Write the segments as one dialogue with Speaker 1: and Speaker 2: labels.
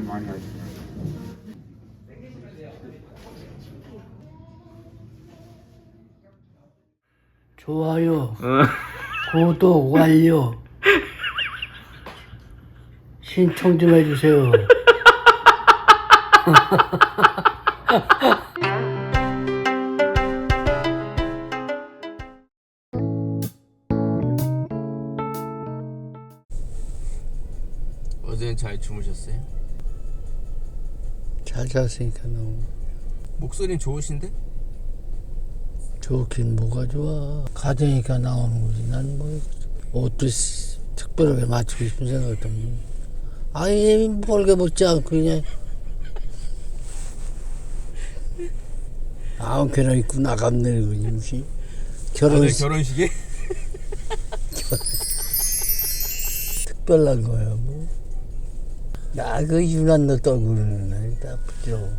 Speaker 1: 많이 하시네요.
Speaker 2: 좋아요, 구독 완료, 신청 좀 해주세요.
Speaker 3: 어제는 잘 주무셨어요?
Speaker 2: 잘 잤으니까 너무
Speaker 3: 목소리는 좋으신데?
Speaker 2: 좋긴 뭐가 좋아. 가정이니까 나오는 거지. 난 뭐 옷도 특별하게 맞추고 싶은 생각도 없고. 아예 벌게 먹지 않고 그냥 아무렇게나 입고 나가면 되는 거지.
Speaker 3: 오늘 결혼식에?
Speaker 2: 특별한 거야 뭐. 야, 그 유난 너 떨고 그러는 날 나쁘죠.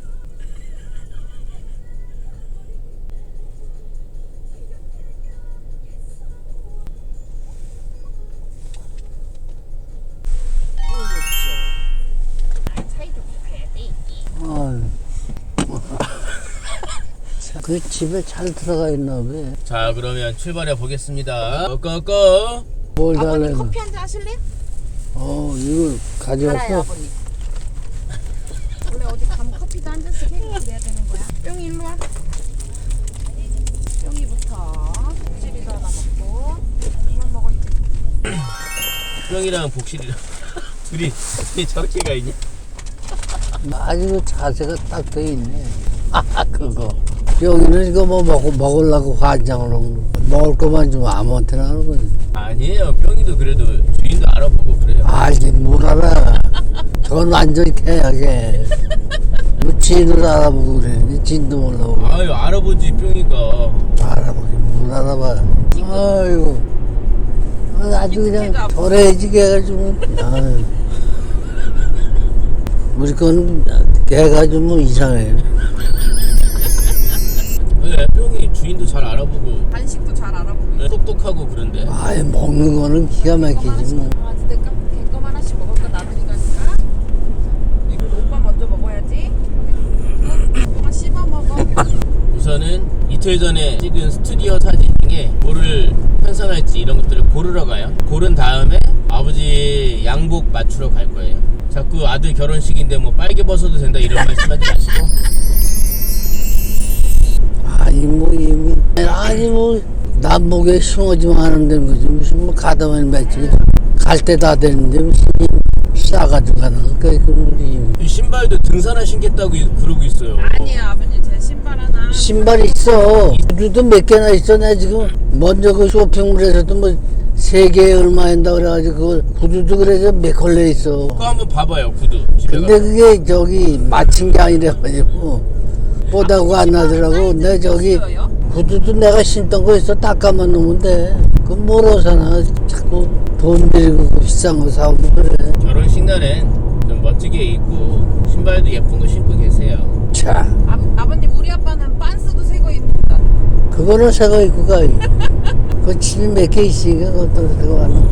Speaker 2: 그 집에 잘 들어가 있나 봐.
Speaker 3: 자, 그러면 출발해 보겠습니다. 꺼꺼꺼.
Speaker 2: 뭘
Speaker 4: 아버님
Speaker 2: 달래는?
Speaker 4: 커피 한잔 하실래요?
Speaker 2: 이거
Speaker 4: 알아요
Speaker 2: 가져왔어?
Speaker 4: 아버님. 원래 어디 가면 커피도 한 잔씩 해드려야 되는 거야. 뿅이 일로 와. 뿅이부터 복실이도 하나 먹고 그만 먹어 이제.
Speaker 3: 뿅이랑 복실이랑 둘이 저렇게 가 있냐?
Speaker 2: 아주 자세가 딱 돼 있네. 그거. 여기는 이거 뭐 먹으려고 간장으로 먹을 것만 좀 아무한테나 하는 거지.
Speaker 3: 아니에요. 뿅이도 그래도 주인도 알아보고 그래요.
Speaker 2: 알긴 뭘 알아. 저건 완전히 태하게. 뭐 진을 알아보고 그래. 진도 몰라보고.
Speaker 3: 아유, 알아보지 뿅이가.
Speaker 2: 알아보긴 뭘 알아봐. 아이고. 아주 그냥 도래지게 해가지고. 아유. 우리 건 걔가 좀 이상해.
Speaker 3: 네, 뿅이 주인도 잘 알아보고
Speaker 4: 간식도 잘 알아보고.
Speaker 3: 똑똑하고 그런데.
Speaker 2: 아예 먹는 거는 기가 막히지 뭐.
Speaker 4: 강아지 될까? 개껌 하나씩 먹을까? 나들이 가니까. 이거 오빠 먼저 먹어야지. 뿅아 씹어 먹어.
Speaker 3: 우선은 이틀 전에 찍은 스튜디오 사진 중에 뭐를 편성할지 이런 것들을 고르러 가요. 고른 다음에 아버지 양복 맞추러 갈 거예요. 자꾸 아들 결혼식인데 뭐 빨개 벗어도 된다 이런 말씀하지 마시고.
Speaker 2: 아니 뭐 남북에 숭어지만 하는 데는 거지 무슨 뭐 가다만 맺지 갈 때 다 되는데 무슨 싸가지고 가는 거니까 그런 거지.
Speaker 3: 신발도 등산화 신겠다고 그러고 있어요.
Speaker 4: 아니에요 아버님 제 신발 하나.
Speaker 2: 신발 있어. 구두도 몇 개나 있어. 내 지금 먼저 그 쇼핑몰에서도 뭐 3개에 얼마 한다 그래가지고 그 구두도 그래서 몇 컬레 있어.
Speaker 3: 그거 한번 봐봐요 구두 집에
Speaker 2: 근데
Speaker 3: 가서.
Speaker 2: 그게 저기 맞힌 게 아니라가지고 보다고 안 나더라고. 내 저기 구두도 내가 신던 거 있어. 닦아만 놓으면 돼. 그럼 뭐로 사나. 자꾸 돈 들이고 비싼 거 사고 그래.
Speaker 3: 결혼식 날엔 좀 멋지게 입고 신발도 예쁜 거 신고 계세요.
Speaker 2: 자,
Speaker 4: 아버님 우리 아빠는 빤스도 새거 입는다.
Speaker 2: 그거는 새거 입고 가. 그 집이 몇 개 있으니까 그것도 새거 가는.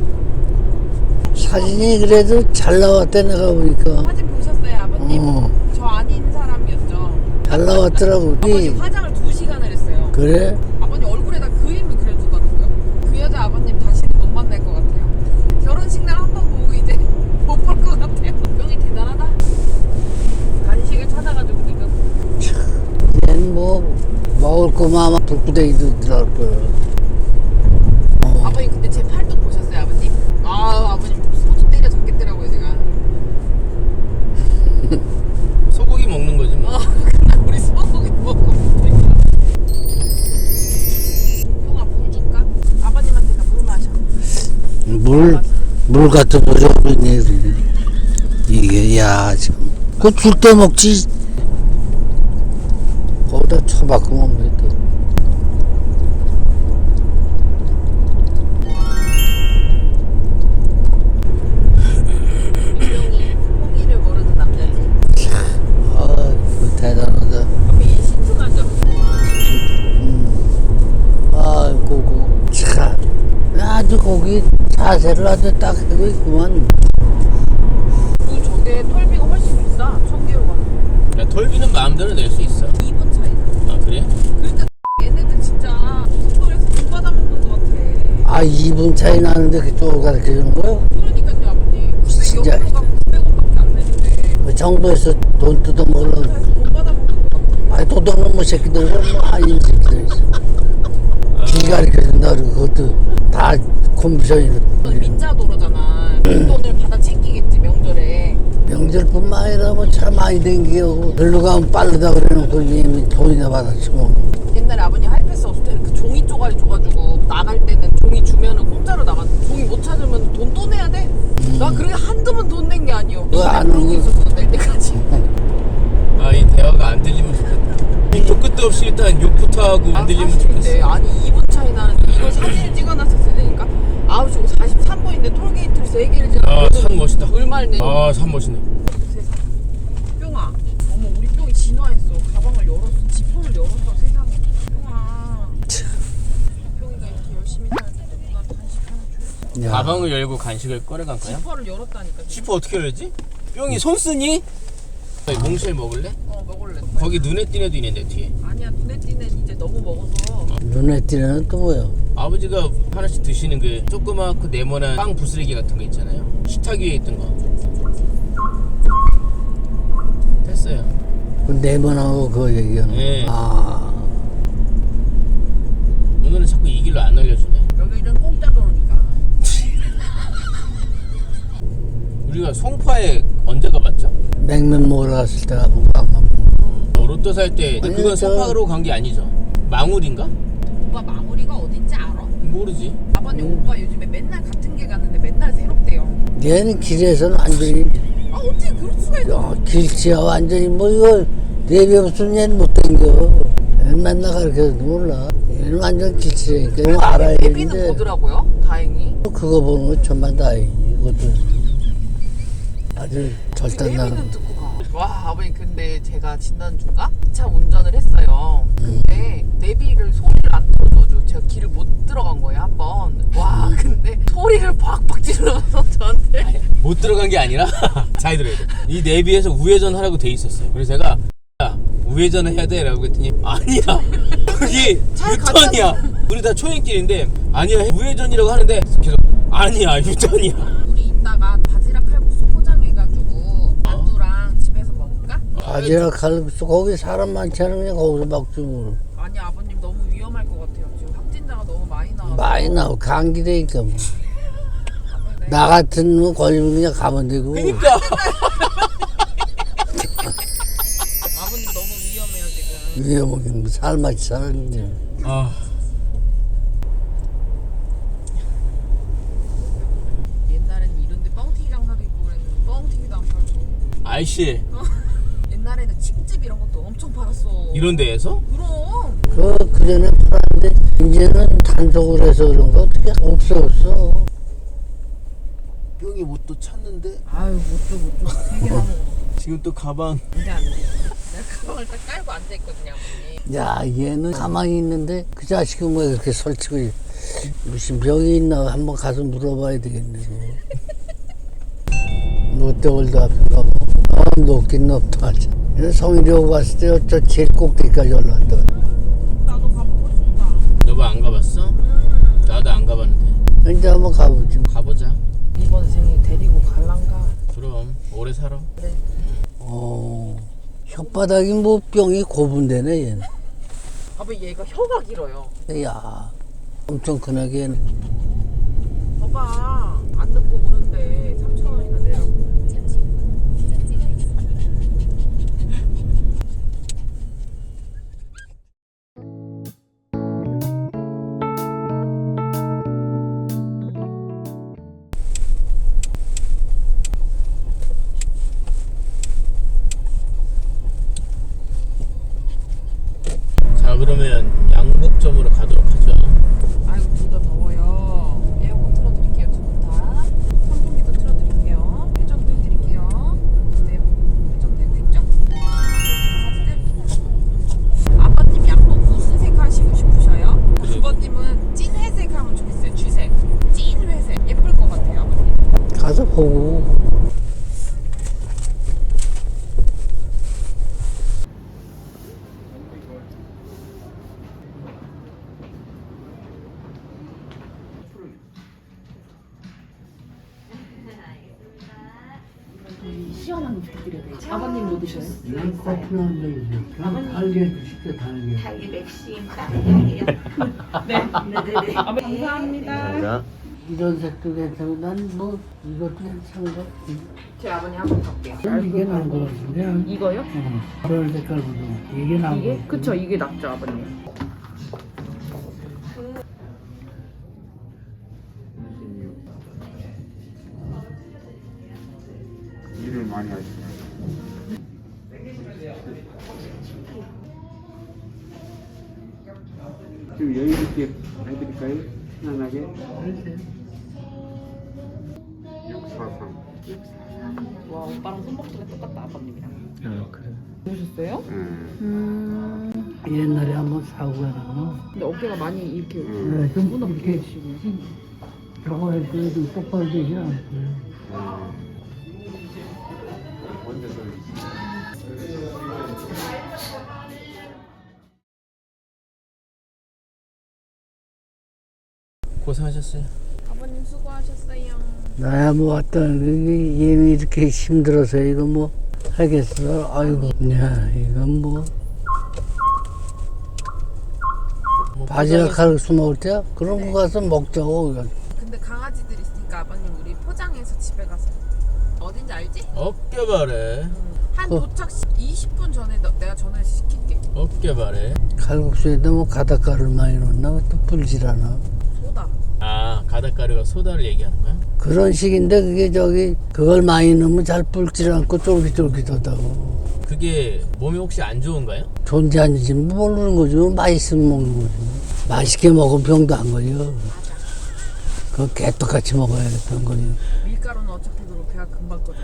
Speaker 2: 사진이 그래도 잘 나왔대 내가 보니까.
Speaker 4: 사진 보셨어요 아버님? 저 아닌 사람이었죠.
Speaker 2: 잘 나왔더라고.
Speaker 4: 아버님 화장을 2시간을 했어요.
Speaker 2: 그래?
Speaker 4: 아버님 얼굴에다 그림을 그려주더라고요. 그 여자 아버님 다시는 못 만날 것 같아요. 결혼식 날 한 번 보고 이제 못 볼 것 같아요. 병이 대단하다. 간식을 찾아가지고 지금.
Speaker 2: 얘는 뭐 먹을 거만 아마 불구덩이도 들어갈 거야.
Speaker 4: 아버님 근데 제 팔뚝 보셨어요 아버님? 아버님 소주 때려 잡겠더라고요 제가.
Speaker 3: 소고기 먹는 거지 뭐.
Speaker 4: 우리 소고기 먹으면 돼. 형아 물 줄까? 아버님한테 물 마셔.
Speaker 2: 물 같은 거 줘도 있네. 이게 야 지금 그거 줄 때 먹지. 거기다 쳐박고 먹는 게 또.
Speaker 4: 형이 포기를 모르는 남자지.
Speaker 2: 그 대단하다.
Speaker 4: 아버님 신중하죠.
Speaker 2: 아이고 참 아주 거기 자세를 아주 딱 하고 있구만.
Speaker 4: 물 저게 근데 톨비가 훨씬 비싸. 1000개로 가면.
Speaker 3: 야, 톨비는 마음대로 낼 수 있어.
Speaker 4: 2분 차이나.
Speaker 3: 아, 그래?
Speaker 4: 그러니까 얘네들 진짜 고속도로에서 돈 받아먹는 것 같아.
Speaker 2: 아 2분 차이 나는데 그쪽을 가르쳐주는 거야?
Speaker 4: 그러니까요 아버님.
Speaker 2: 진짜.
Speaker 4: 여기로 가면 900원밖에 안 내는데
Speaker 2: 그 정부에서 돈 뜯어먹으려고.
Speaker 4: 차에서 돈 받아먹는 것 같아.
Speaker 2: 아니 도둑놈의 새끼들은 뭐 아닌 새끼들 있어. 길 가르쳐준다 그러고 그것도 다 콤비션이로.
Speaker 4: 민자도로잖아. 돈을 받아 챙기겠지 명절에.
Speaker 2: 명절뿐만 아니라 뭐 차 많이 댕기고 별로 가면 빠르다 그래놓고 이미 돈이나 받아치고.
Speaker 4: 옛날에 아버님 하이패스 없을 때는 그 종이 쪼가리 줘가지고 나갈 때는 종이 주면은 공짜로 나가. 종이 못 찾으면 돈 또 내야 돼. 나 그렇게 한두 번 돈 낸 게 아니오.
Speaker 2: 그거 안
Speaker 4: 그러고
Speaker 2: 하는
Speaker 4: 있었어 낼 때까지.
Speaker 3: 아, 이 대화가 안 들리면 좋겠다. 밑도 끝도 없이 일단 욕부터 하고 안 들리면
Speaker 4: 사실인데,
Speaker 3: 좋겠어.
Speaker 4: 아니 2분 차이 나는데 이걸 사진을 찍어놨었어야 되니까. 아우 저거 43분인데 톨게이트를 3개를 지나.
Speaker 3: 아, 산 멋있다.
Speaker 4: 얼마를 내?
Speaker 3: 아, 산 멋있네.
Speaker 4: 세상. 뿅아, 어머 우리 뿅이 진화했어. 가방을 열었어. 지퍼를 열었어. 세상에. 뿅아. 뿅이가 이렇게 열심히 사는데 누나한테 간식 하나 줘야지.
Speaker 2: 야,
Speaker 3: 가방을 열고 간식을 꺼내간 거야?
Speaker 4: 지퍼를 열었다니까.
Speaker 3: 지퍼 어떻게 열지? 뿅이 손 쓰니? 몽쉘 먹을래?
Speaker 4: 먹을래.
Speaker 3: 거기 눈에 띄는 애도 있는데 뒤에.
Speaker 4: 아니야 눈에 띄는 이제 너무 먹어서.
Speaker 2: 눈에 띄는 애는 또 뭐야?
Speaker 3: 아버지가 하나씩 드시는 그 조그맣고 네모난 빵 부스러기 같은 거 있잖아요. 식탁 위에 있던 거. 됐어요.
Speaker 2: 그 네모나고 그거 얘기하는
Speaker 3: 네.
Speaker 2: 거. 아,
Speaker 3: 오늘은 자꾸 이 길로 안 알려주네.
Speaker 4: 여기는 공짜 도로니까.
Speaker 3: 우리가 송파에 언제 가봤죠?
Speaker 2: 냉면 먹으러 갔을 때 가본 거 아마.
Speaker 3: 로또 살 때
Speaker 2: 아니,
Speaker 3: 그건
Speaker 2: 저-
Speaker 3: 송파로 간 게 아니죠? 망울인가?
Speaker 4: 오빠 마무리가 어딘지 알아?
Speaker 3: 모르지.
Speaker 4: 아버님 오빠 요즘에 맨날 같은 길 갔는데 맨날 새롭대요.
Speaker 2: 얘는 길에서는 완전히
Speaker 4: 아 어떻게 그럴 수가 있어?
Speaker 2: 야, 길치야 완전히 뭐 이거 내비 없으면 얘는 못 댕겨. 얘는 맨날 가르쳐도 몰라. 얘는 완전 길치라니까. 이거 알아야
Speaker 4: 애비는
Speaker 2: 되는데
Speaker 4: 보더라고요. 다행히.
Speaker 2: 그거 보는 건 천만 다행이지. 이것도 아주 절단나는.
Speaker 4: 애비는 듣고 가. 와 아버님 근데 제가 지난주인가 차 운전을 했어요. 근데 내비를 소리를 안 들어줘가지고 제가 길을 못 들어간 거예요 한번. 와 근데 소리를 박박 질러서 저한테.
Speaker 3: 못 들어간 게 아니라 잘 들어야 돼. 이 내비에서 우회전 하라고 돼 있었어요. 그래서 제가 야, 우회전을 해야 돼 라고 했더니 아니야 그게
Speaker 4: 차에
Speaker 3: 유턴이야. 우리 다 초행길인데 아니야 우회전이라고 하는데 계속 아니야 유턴이야.
Speaker 4: 우리 이따가 바지락 칼국수 포장해가지고 만두랑 집에서 먹을까?
Speaker 2: 바지락 칼국수 거기 사람 많지 않으면 거기서 먹지 뭘.
Speaker 4: 아니 아버님 너무 위험할 것 같아요. 지금 확진자가 너무 많이 나와서.
Speaker 2: 많이 나오고 감기되니까 뭐.
Speaker 4: 아버님, 네.
Speaker 2: 나 같은 거 걸리면 그냥 가면 되고.
Speaker 3: 그러니까
Speaker 4: 아버님 너무 위험해요 지금.
Speaker 2: 위에 먹으면 살맛이 살았는데.
Speaker 3: 아,
Speaker 4: 옛날엔 이런데 뻥튀기 장사도 있고 그랬는데 뻥튀기도 안 팔고.
Speaker 3: 아이씨
Speaker 4: 옛날에는 칡집 이런 것도 엄청 팔았어.
Speaker 3: 이런 데에서?
Speaker 4: 그럼.
Speaker 2: 그 전에 팔았는데 이제는 단속을 해서 그런 거 어떻게 없어.
Speaker 3: 뿅이 옷도 찾는데
Speaker 4: 아유 못줘 3개나 먹었어.
Speaker 3: 지금 또 가방
Speaker 4: 안돼 안돼. 내가 가방을 딱 깔고 앉아있거든요 아버님.
Speaker 2: 야 얘는 가만히 있는데 그 자식은 왜 그렇게 설치고 무슨 병이 있나 한번 가서 물어봐야 되겠네. 롯데월드 앞에 가면 높긴 높다 하자. 성일이하고 갔을 때 저 제일 꼭대기까지 올라왔다.
Speaker 4: 나도 가보고 싶다.
Speaker 3: 여보 안 가봤어? 나도 안 가봤는데
Speaker 2: 이제 한번 가보지.
Speaker 3: 가보자.
Speaker 4: 이번 생에 데리고 갈란가?
Speaker 3: 그럼 오래 살아.
Speaker 4: 그래.
Speaker 2: 혓바닥이 뭐 병이 고분되네 얘는.
Speaker 4: 아버 얘가 혀가 길어요.
Speaker 2: 야 엄청 크네 얘는.
Speaker 4: 봐봐 안 듣고 오는데 3,000원이나 내라고.
Speaker 3: 자 그러면 양복점으로 가도록 하죠.
Speaker 4: 아이고 둘 다 더워요. 에어컨 틀어드릴게요 두 분 다. 선풍기도 틀어드릴게요. 회전도 해드릴게요. 네, 회전 되고 있죠? 아빠님 양복 무슨 색 하시고 싶으셔요?
Speaker 3: 그래.
Speaker 4: 주버님은 찐 회색 하면 좋겠어요. 쥐색. 찐 회색. 예쁠 것 같아요 아버님.
Speaker 2: 가서 보고
Speaker 1: 저희 시원한 거 부탁드려야 돼요. 아버님 뭐 드셔요?
Speaker 2: 난 커피 한 잔 있어. 그냥 달게 시켜 달게.
Speaker 5: 달기 맥심 따뜻하게요.
Speaker 1: 네.
Speaker 5: 네네네.
Speaker 1: 아버님 감사합니다.
Speaker 3: 감사합니다.
Speaker 2: 이런 색도 괜찮고 난 뭐 이것도 괜찮은 거.
Speaker 1: 제 아버님 한번 볼게요.
Speaker 2: 이게 나은 거 같은데.
Speaker 1: 이거요?
Speaker 2: 그런 색깔보다 이게 나은 거.
Speaker 1: 이게? 그쵸, 이게 낫죠, 아버님.
Speaker 6: 일을 많이 하시네요. 좀 여유 있게 해드릴까요? 편안하게. 643.
Speaker 1: 와, 오빠랑 손목소리가 똑같다, 아버님이랑.
Speaker 2: 그래.
Speaker 1: 보셨어요?
Speaker 2: 옛날에 한번 사고가 나고.
Speaker 1: 근데 어깨가 많이 이렇게
Speaker 2: 좀 이렇게 저거 할 때도 똑바로 되지 않고요.
Speaker 6: 언제 또
Speaker 3: 고생하셨어요.
Speaker 4: 아버님 수고하셨어요.
Speaker 2: 나야 뭐 어떤 얘는 이렇게 힘들어서 이거 뭐 하겠어. 아이고, 야 이건 뭐 바지락 칼국수 먹을 때야? 그런 거 가서 먹자고. 이거.
Speaker 4: 근데 강아지들 있으니까 아버님 우리 포장해서 집에 가서 어딘지 알지?
Speaker 3: 어깨바래.
Speaker 4: 한 도착 20분 전에 내가 전화해서 시킬게.
Speaker 3: 어깨바래.
Speaker 2: 칼국수에다 뭐 가닥가루를 많이 넣나? 또 불질 않아.
Speaker 4: 소다.
Speaker 3: 아, 가닥가루가 소다를 얘기하는 거야?
Speaker 2: 그런 식인데 그게 저기 그걸 많이 넣으면 잘 불질 않고 쫄깃쫄깃하다고.
Speaker 3: 그게 몸에 혹시 안 좋은가요?
Speaker 2: 존재하는지 모르는 거죠. 맛있으면 먹는 거지. 맛있게 먹으면 병도 안 걸려. 그거 개떡같이 먹어야 병 걸려.
Speaker 4: 밀가루는 어차피 그거 배가 금방 꺼져.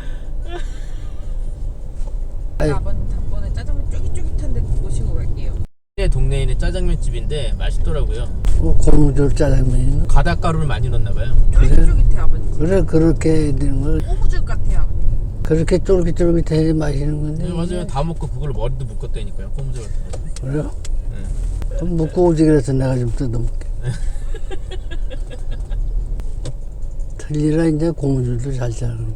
Speaker 2: 아이.
Speaker 4: 아버님 다음번에 짜장면 쫄깃쫄깃한데 모시고 갈게요.
Speaker 3: 동네에 있는 짜장면 집인데 맛있더라고요.
Speaker 2: 고무줄 짜장면이.
Speaker 3: 가닥가루를 많이 넣나 봐요.
Speaker 4: 쫄깃쫄깃해 아버님.
Speaker 2: 그래 그렇게 해야 되는 거야.
Speaker 4: 꼬무줄 같아요 아버님.
Speaker 2: 그렇게 쫄깃쫄깃해야 맛있는 건데.
Speaker 3: 네, 맞아요. 다 먹고 그걸 머리도 묶었다니까요. 꼼수 같은 거.
Speaker 2: 그래요?
Speaker 3: 네.
Speaker 2: 좀 묵고 오지 그래서 내가 좀 뜯어먹게. 틀리라 이제 고무줄도 잘 자르고.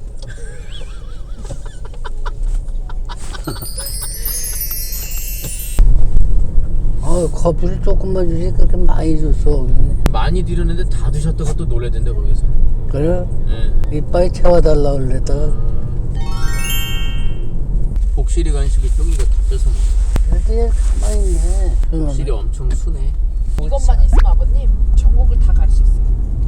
Speaker 2: 커피를 조금만 주지 그렇게 많이 줬어.
Speaker 3: 많이 드렸는데 다 드셨다고 또 놀래야 된다 거기서.
Speaker 2: 그래?
Speaker 3: 네.
Speaker 2: 이빨에 채워달라고 그랬다가.
Speaker 3: 복실이 간식이 쪼기가 다 뺏어 먹어.
Speaker 2: 그래도 얘 가만히 있네.
Speaker 3: 복실이 엄청 순해.
Speaker 4: 이것만 있으면 아버님 전국을 다 갈 수 있어요.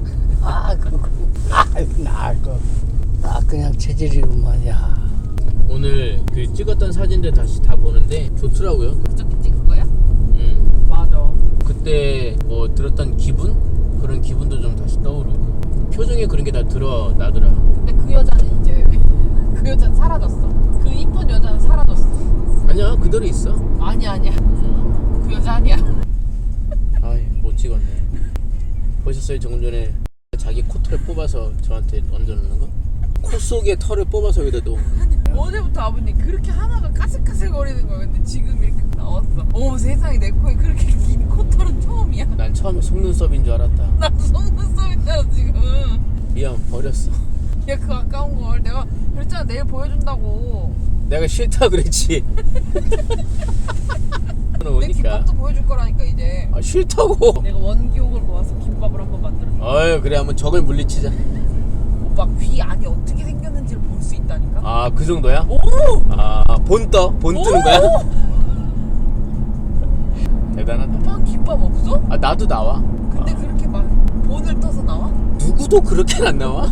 Speaker 2: 그냥 체질이구만, 야.
Speaker 3: 오늘 그 찍었던 사진들 다시 다 보는데 좋더라고요.
Speaker 4: 그저께 찍은 거야? 맞아.
Speaker 3: 그때 뭐 들었던 기분? 그런 기분도 좀 다시 떠오르고 표정에 그런 게 다 드러나더라.
Speaker 4: 근데 그 여자는 이제 그 여자는 사라졌어. 그 이쁜 여자는 사라졌어.
Speaker 3: 아니야, 그대로 있어.
Speaker 4: 아니야. 그 여자 아니야.
Speaker 3: 아이, 못 찍었네. 보셨어요? 조금 전에 자기 코털을 뽑아서 저한테 얹어놓는 거? 코 속에 털을 뽑아서 여기다 놓은 거.
Speaker 4: 어제부터 아버님 그렇게 하나가 까슬까슬거리는 거야. 근데 지금 이렇게 나왔어. 어머 세상에 내 코에 그렇게 긴 코털은 처음이야.
Speaker 3: 난 처음에 속눈썹인 줄 알았다.
Speaker 4: 나도 속눈썹이잖아 지금.
Speaker 3: 미안, 버렸어.
Speaker 4: 야 그 아까운 걸 내가 그랬잖아 내일 보여준다고.
Speaker 3: 내가 싫다 그랬지.
Speaker 4: 내
Speaker 3: 오니까.
Speaker 4: 김밥도 보여줄 거라니까 이제.
Speaker 3: 아, 싫다고.
Speaker 4: 내가 원기옥을 모아서 김밥을 한번 만들어줘.
Speaker 3: 아유, 그래, 한번 적을 물리치자.
Speaker 4: 오빠 귀 안이 어떻게 생겼는지를 볼 수 있다니까.
Speaker 3: 아, 그 정도야?
Speaker 4: 오!
Speaker 3: 아, 본 뜨는 거야? 대단하다.
Speaker 4: 오빠 김밥 없어?
Speaker 3: 아, 나도 나와.
Speaker 4: 근데 그렇게 막 본을 떠서 나와?
Speaker 3: 누구도 그렇게는 안 나와?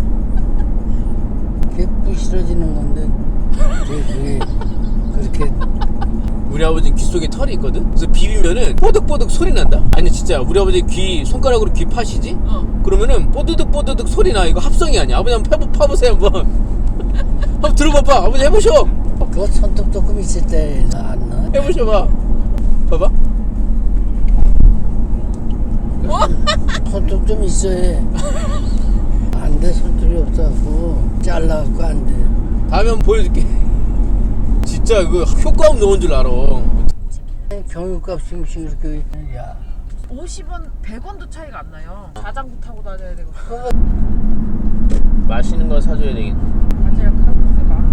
Speaker 2: 그게 부실어지는 건데. 그게 그렇게.
Speaker 3: 우리 아버지 귀 속에 털이 있거든? 그래서 비비면은 뽀득뽀득 소리 난다. 아니 진짜 우리 아버지 귀 손가락으로 귀 파시지? 그러면은 뽀드득 소리 나. 이거 합성이 아니야. 아버지 한번 파보세요 한번. 한번 들어봐봐. 아버지 해보셔.
Speaker 2: 그거 손톱 조금 있을 때 안 나.
Speaker 3: 해보셔봐. 봐봐.
Speaker 2: 손톱 좀 있어야 해. 안 돼, 손톱이 없어갖고. 잘라갖고 안 돼.
Speaker 3: 다음에 한번 보여줄게. 진짜 그 효과음 넣은 줄 알아.
Speaker 2: 경유값이 이렇게. 야.
Speaker 4: 50원, 100원도 차이가 안 나요. 자전거 타고 다녀야 되고.
Speaker 3: 맛있는 거 사줘야 되겠네.
Speaker 4: 바지락 칼국수가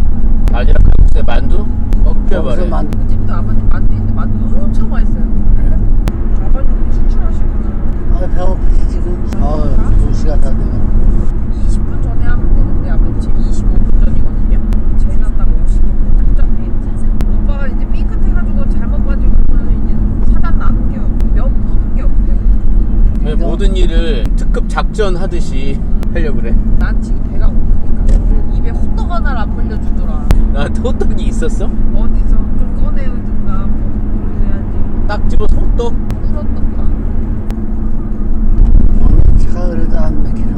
Speaker 3: 바지락 칼국수에 만두?
Speaker 2: 거기서
Speaker 3: 꺾여버려.
Speaker 2: 만
Speaker 4: 그 집도 아버님 만두 있는데 만두 엄청 맛있어요. 아버님 출출하시구나.
Speaker 2: 아, 배고프지 지금. 2시간 다 돼가지고.
Speaker 4: 20분 전에 하면 되는데 아버님 지금 25분 전이거든요. 제일 낫다고 55분 특전해. 오빠가 이제 삐끗해가지고 잘못 가지고는 이제 사단 나는 게몇 푸는 게 없대.
Speaker 3: 왜 모든 일을 특급 작전 하듯이 하려고 그래.
Speaker 4: 난 지금 배가 고프니까 입에 호떡 하나를 안 물려주더라.
Speaker 3: 나한테 호떡이 있었어?
Speaker 4: 어디서 좀 꺼내든가 뭐 그래야지.
Speaker 3: 딱 집어서 호떡?
Speaker 4: 꿀호떡가.
Speaker 2: 차가 그래도 안 막히네.